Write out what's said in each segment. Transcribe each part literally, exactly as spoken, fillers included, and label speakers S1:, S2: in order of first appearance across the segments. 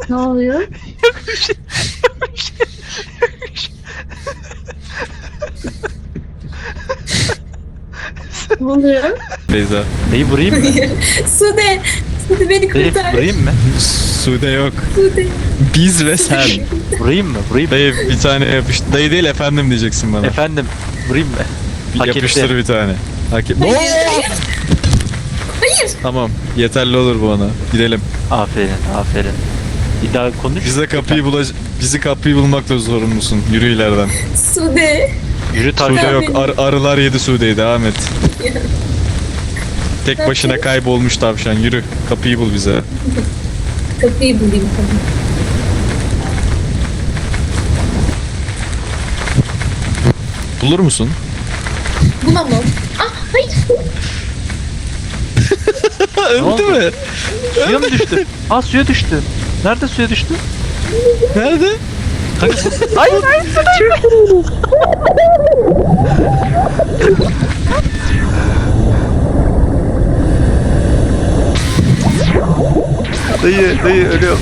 S1: Ne oluyor? Ne oluyor?
S2: Beyza.
S3: Neyi vurayım mı?
S4: Sude. Sude beni
S3: Dayı
S4: kurtar.
S3: vurayım mı?
S2: Sude yok.
S4: Sude.
S2: Biz ve sen.
S3: Vurayım mı? Vurayım mı?
S2: Dayı bir tane yapıştır. Dayı değil efendim diyeceksin bana.
S3: Efendim vurayım mı?
S2: Bir
S3: Hak
S2: yapıştır
S3: etti.
S2: bir tane. Hak et-
S4: Hayır.
S2: Oo!
S4: Hayır.
S2: Tamam. Yeterli olur bu ona. Gidelim.
S3: Aferin aferin. Bir daha konuş.
S2: Bize kapıyı bulaş bizi kapıyı bulmakla sorumlusun. Yürü ileriden.
S4: Sude.
S3: Yürü
S2: Sude
S3: Tarkan.
S2: yok. Ar- arılar yedi Sude'yi. Devam et. Tek başına kaybolmuş tavşan. Yürü. Kapıyı bul bize.
S4: Kapıyı bulayım tamam.
S2: Bulur musun?
S4: Bulamam. Ah hayır.
S2: Öldü
S3: oldu?
S2: mü?
S3: Suya mı düştü? Aa suya düştü. Nerede suya düştü?
S2: Nerede?
S3: Kanka bu... Hayır hayır. Dayı dayı ölüyor.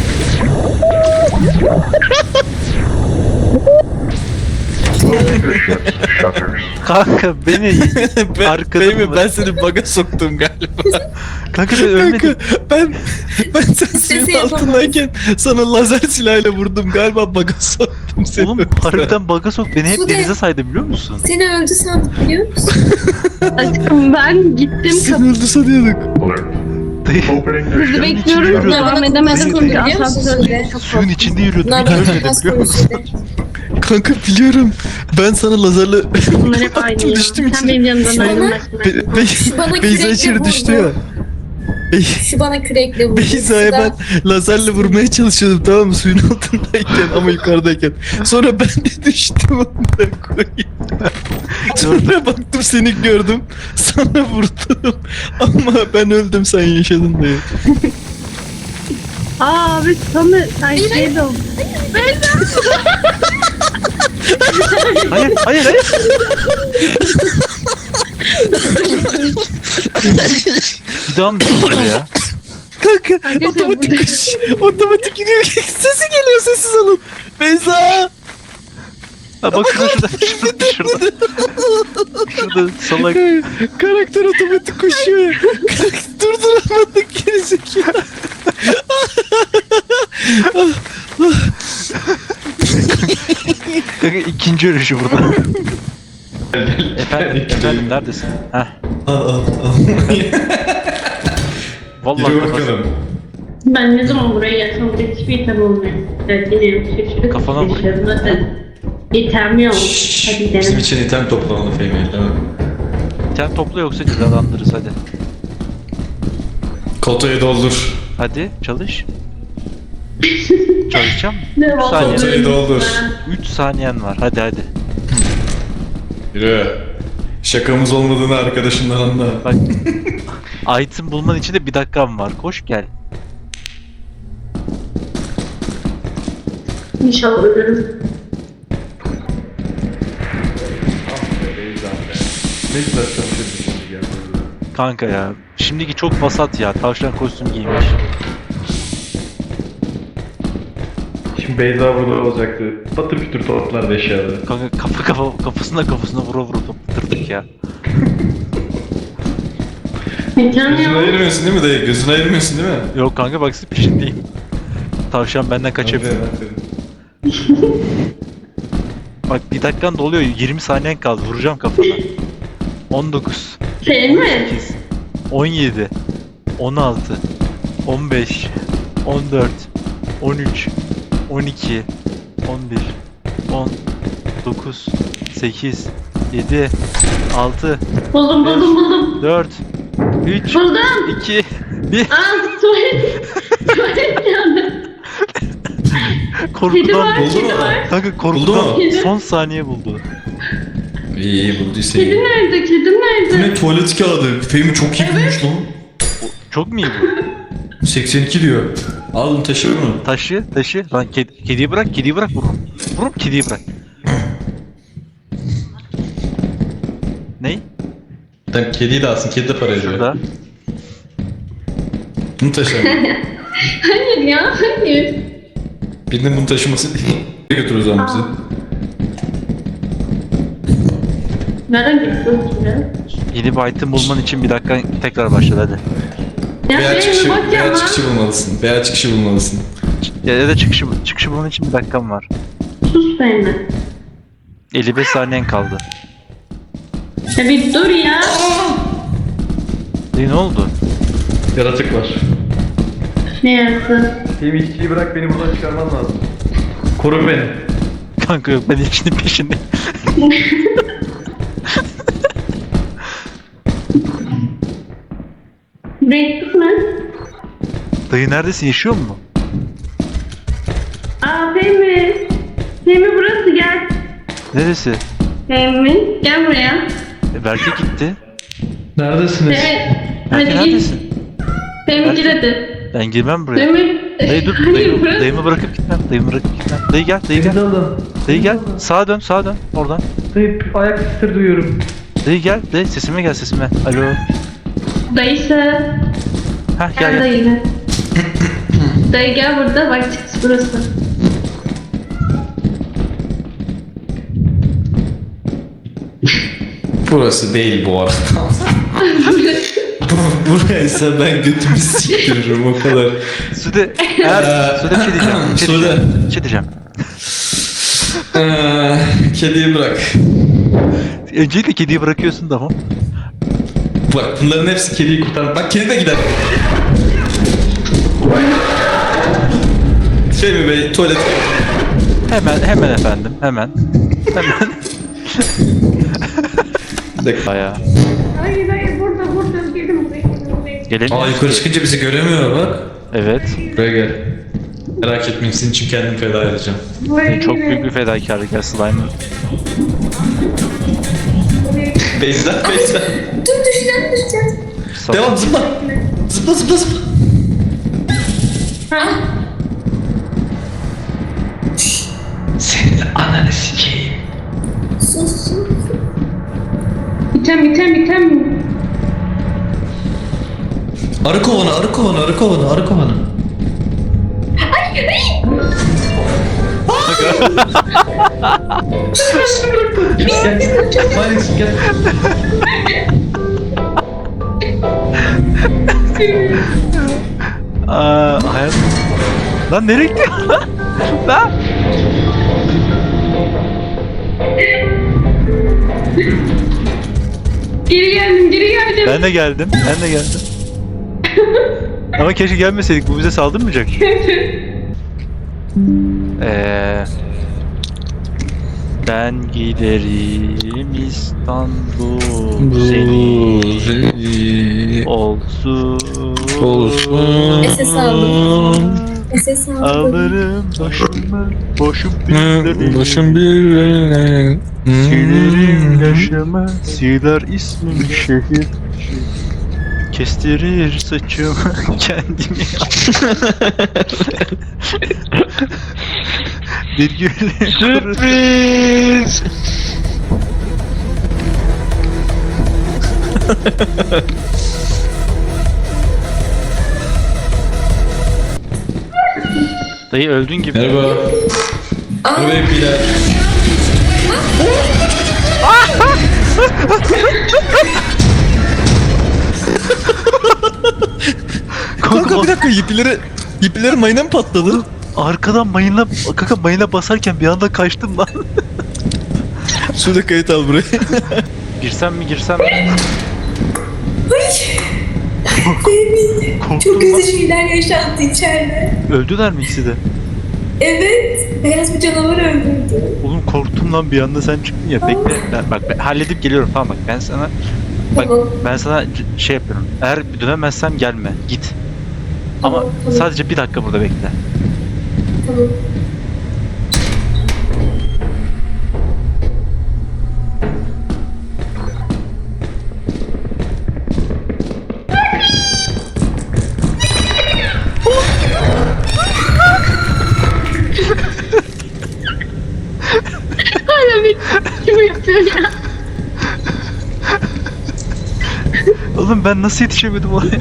S3: Kanka beni
S2: ben,
S3: Arkada
S2: değil mi?
S3: mı?
S2: Ben seni baga soktum galiba.
S3: kanka ben ölmedim.
S2: Kanka ben ben sen suyun
S4: Sesi yapamaz.
S2: altındayken sana lazer silahıyla vurdum galiba baga soktum seni.
S3: Oğlum harbiden baga sok beni hep
S4: Sude.
S3: denize saydı biliyor musun?
S4: Seni öldü sandık biliyor musun?
S1: Aşkım ben gittim
S2: Sen
S1: kapı.
S2: öldü sanıyorduk.
S3: Dayı
S1: Sizi bekliyorum.
S3: içinde
S1: Devam
S4: yürüdüm.
S1: edemedim çünkü
S4: Biliyor musun
S1: asansör
S4: Sude?
S1: çok
S3: suyun içinde yürüyordum.
S4: Bunlar
S3: Hiç
S4: bana
S3: ölmedim
S4: takas
S3: biliyor musun?
S4: konuşuyordu.
S2: Kanka biliyorum. Ben sana lazerle
S1: Bunlar hep aynı ya.
S2: düştüm
S1: Sen
S2: içine.
S1: benim yanımdan
S4: Sonra-
S1: ayrılmasın.
S2: Be- Be-
S4: Şu bana
S2: Beyza
S4: kürekle
S2: içeri
S4: vurdu.
S2: düştü ya. Bey-
S4: Şu bana kürekle vurdu.
S2: Beyza'ya ben
S4: Suda-
S2: lazerle vurmaya çalışıyordum tamam mı suyun altındayken ama yukarıdayken. Sonra ben de düştüm ondan koyayım. Sonra baktım seni gördüm. Sana vurdum. Ama ben öldüm sen yaşadın diye.
S1: Aa abi sana ay şey de oldu.
S3: Hayır hayır hayır. Bir daha mı düştü ya?
S2: Kanka
S1: Arkadaşlar
S2: otomatik
S1: burada-
S2: koş. Otomatik gidiyor. Sesi geliyor sessiz olun. Beyza.
S3: Ha bak şurada şurada şurada şurada. Şurada salak.
S2: Karakter otomatik koşuyor ya. Durduramadık gerizekalı.
S3: Kanka ikinci ölüşü burada. efendim, efendim neredesin? Heh. Vallahi
S2: Yürü
S3: kafası-
S2: bakalım.
S1: Ben ne zaman buraya gelsem buraya hiçbir item olmuyor. Evet yine yok. Şaşırıp
S3: Kafana vur.
S1: geçiyorum zaten. İtem yok. Hadi
S2: Bizim
S1: gidelim.
S2: için item toplamalı Fehmi. Tamam.
S3: Sen topla yoksa cezalandırırız hadi.
S2: Kotayı doldur.
S3: Hadi çalış. Çalışacağım mı?
S1: Ne
S3: Üç saniye.
S2: Kotayı doldur.
S3: üç saniyen var hadi hadi.
S2: Yürü. Şakamız olmadığını arkadaşından anla.
S3: Bak. Item bulman için de bir dakikam var. Koş gel.
S1: İnşallah ölürüm.
S3: Kanka ya. Şimdiki çok vasat ya. Tavşan kostüm giymiş.
S5: Şimdi Beyza burada olacaktı. Patır kütür toplardı eşyaları.
S3: Kanka kafa kafa kafasına kafasına vura vura toplatırdık ya.
S1: İtem
S2: Gözünü
S1: yok.
S2: ayırmıyorsun değil mi dayı? Gözünü ayırmıyorsun değil mi?
S3: Yok kanka bak siz peşindeyim. Tavşan benden kaçabilir. Bak bir dakikan doluyor. yirmi saniyen kaldı. Vuracağım kafana. on dokuz,
S1: Şey mi?
S3: sekiz, on yedi, on altı, on beş, on dört, on üç, on iki, on bir, on dokuz, sekiz, yedi, altı,
S1: Buldum buldum buldum.
S3: dört, üç,
S1: Buldum.
S3: iki, bir.
S1: Aa tuvalet. Tuvalet geldi. Kedi
S3: Korkudan
S1: var,
S2: buldu
S1: kedi
S2: mu?
S1: var.
S3: Kanka
S2: Buldu
S3: korkudan
S2: mu?
S3: son saniye buldu.
S2: İyi iyi bulduysa
S1: Kedi
S2: iyi.
S1: nerede? Kedi
S2: Bu
S1: nerede?
S2: ne tuvalet kağıdı? Fehmi çok iyi bulmuş lan.
S3: Çok mu iyi bu?
S2: seksen iki diyor. Alın taşı bunu.
S3: Taşı, taşı. Lan kedi, kediyi bırak, kediyi bırak vururum. Vururum kediyi bırak. Ney?
S2: Tamam kediyi de alsın. Kedi de para ediyor.
S3: Şurada.
S2: Bunu taşı.
S1: Hayır ya hayır.
S2: Birinin bunu taşıması götür o zaman bizi.
S1: Nereden gidiyorsun ya?
S3: Yeni bir item bulman için bir dakika tekrar başladı hadi.
S1: Ya
S2: Veya
S1: benim
S2: çıkışı,
S1: bak ya
S2: veya
S1: lan.
S2: çıkışı bulmalısın. Veya çıkışı bulmalısın.
S3: Ya, ya da çıkışı, çıkışı bulman için bir dakikam var.
S1: Sus benimle.
S3: elli beş saniyen kaldı.
S1: Ya bir dur ya.
S3: E, ne oldu?
S5: Yaratık var.
S1: Ne yaptın?
S5: Benim işçiyi bırak, beni buradan çıkarman lazım. Koru beni.
S3: Kanka yok ben ilkinin peşindeyim.
S1: Breakfast mı?
S3: Dayı neredesin, yaşıyor mu?
S1: Aa Fehmi. Fehmi burası gel.
S3: Neresi?
S1: Fehmi gel buraya.
S3: E, Berke gitti.
S5: Neredesiniz?
S1: Evet.
S3: Berke
S1: Hadi git.
S3: neredesin?
S1: Fehmi gir hadi.
S3: Ben girmem buraya.
S1: Fehmi.
S3: Dayı dur,
S1: Hadi
S3: dayımı,
S1: burası.
S3: dayımı bırakıp gitmem. Dayımı bırakıp gitmem. Dayı gel, dayı
S5: Beni
S3: gel.
S5: de alın.
S3: Dayı gel. Sağa dön, sağa dön. Oradan.
S5: Dayı, ayak sesleri duyuyorum.
S3: Dayı gel, dayı sesime gel sesime. Alo.
S1: Dayısı.
S3: Heh
S1: Gel
S3: gel gel.
S1: dayı gel. Dayı gel burada bak çıkış burası.
S2: Burası değil bu arada. Buraysa ben götümü siktiririm o kadar.
S3: Sude, eğer, Sude bir şey diyeceğim. Bir şey
S2: Sude.
S3: diyeceğim. Bir şey diyeceğim.
S2: Ee, kediyi bırak.
S3: Öncelikle kediyi bırakıyorsun tamam.
S2: Bak bunların hepsi kediyi kurtar. Bak kedi de gider. Fehmi Bey tuvalet.
S3: Hemen, hemen efendim, hemen. Hemen.
S2: Bir dakika.
S3: Bayağı.
S1: Hayır hayır burada burada girdim buraya.
S3: Gelemiyor.
S2: Aa yukarı çıkınca bizi göremiyor bak.
S3: Evet.
S2: Buraya gel. Merak etmeyin senin için kendimi feda edeceğim.
S1: Buraya
S3: Çok
S1: girdim.
S3: büyük bir fedakarlık ya slime'ın.
S2: Beyza, Beyza.
S4: Dur düşeceğim düşeceğim.
S2: Devam zıpla. Zıpla zıpla zıpla.
S1: Ha?
S2: Senin ananı sikeyim.
S4: Sus sus.
S1: Bitem bitem bitem.
S2: Arı kovanı, arı kovanı, arı kovanı, arı kovanı.
S5: Gel. Alex gel.
S3: Aa, hayat. Lan nereye gidiyor lan? Lan.
S1: Geri geldim geri geldim.
S3: Ben de geldim, ben de geldim. Ama keşke gelmeseydik, bu bize saldırmayacak. Eee... Ben giderim İstanbul seni olsun
S2: Olsun.
S4: S S aldım. S S aldım.
S3: Alırım başımı boşum bizleri
S2: Başım bir
S3: Silerim yaşamı siler ismim şehir Kestirir saçımı kendimi Bir gülü
S2: Sürpriz.
S3: Dayı öldün gibi.
S2: Merhaba. Merhaba hepkiler. Kanka bir dakika ipileri ipileri mayına mı patladı?
S3: Arkadan mayına, kaka mayına basarken bir anda kaçtım lan.
S2: Şurada kayıt al buraya.
S3: Girsem mi girsem mi?
S4: Baby. Çok
S3: Korktum
S4: kötü
S3: lan.
S4: şeyler yaşandı içeride.
S3: Öldüler mi ikisi de?
S4: Evet. Beyaz bir canavar öldürdü.
S3: Oğlum korktum lan bir anda sen çıktın ya. Bekle. Ben, bak ben halledip geliyorum tamam bak ben sana bak
S4: Tamam.
S3: ben sana c- şey yapıyorum. Eğer dönemezsem gelme. Git. Ama
S4: Tamam, tamam.
S3: sadece bir dakika burada bekle.
S4: Tamam.
S1: Hala bir kim yapıyor ya?
S3: Oğlum ben nasıl yetişemedim oraya?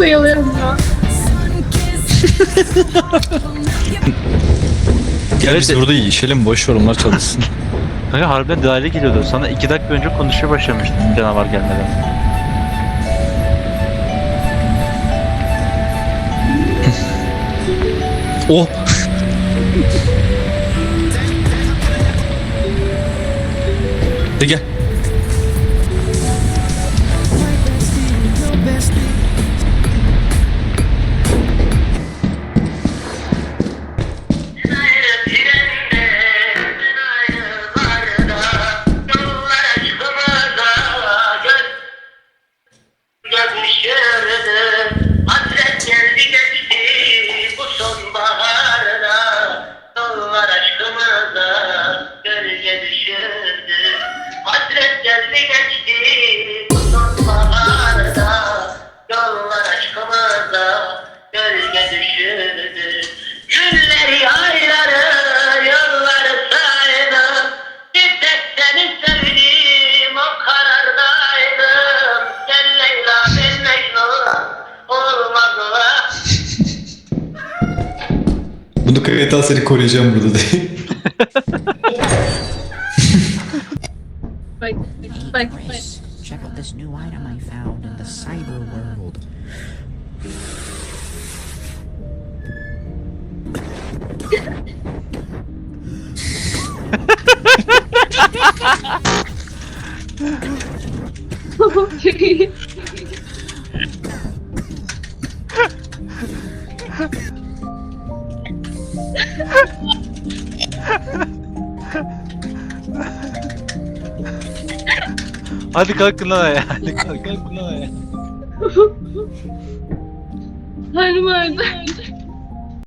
S1: bayılıyorum ya.
S2: Gel biz
S3: Evet.
S2: burada yiyişelim, boş ver onlar çalışsın.
S3: Kanka harbiden dahile geliyordu. Sana iki dakika önce konuşmaya başlamıştım canavar gelmeden.
S2: Oh! De gel.
S6: Hasret geldi geçti bu sonbaharda. Yollar aşkımıza gölge düşürdü. Hasret geldi geçti bu sonbaharda. Yollar aşkımıza gölge düşürdü. Günleri ayları yılları saydım. Bir tek seni sevdim o karardaydım. Sen Leyla ben Mecnun olmadılar.
S2: Bunu kayıt seni koruyacağım burada değil.
S1: Bak bak bak.
S7: Check out this new item I found in the cyber world.
S3: Hadi kalkın lan ayağa. Hadi kalkın lan ayağa.
S1: Hanım öldü.